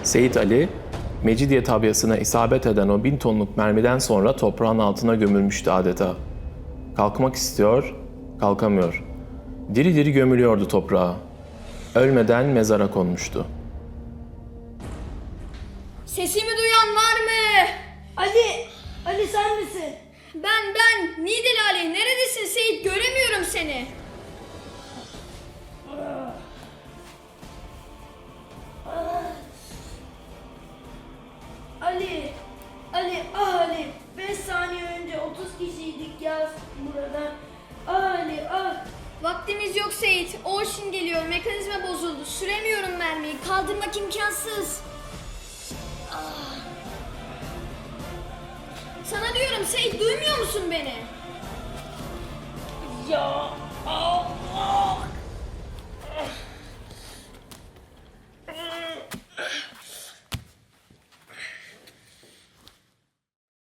Seyit Ali, Mecidiye tabyasına isabet eden o 1000 tonluk mermiden sonra toprağın altına gömülmüştü adeta. Kalkmak istiyor, kalkamıyor. Diri diri gömülüyordu toprağa. Ölmeden mezara konmuştu. Sesimi duyan var mı? Ali sen misin? Ben. Nidil Ali. Neredesin Seyit? Göremiyorum seni. Ali, 5 saniye önce 30 kişiydik ya burada. Ali. Vaktimiz yok Seyit. Orşin geliyor. Mekanizma bozuldu. Süremiyorum mermiyi. Kaldırmak imkansız. Sana diyorum Seyit, duymuyor musun beni? Ya Allah!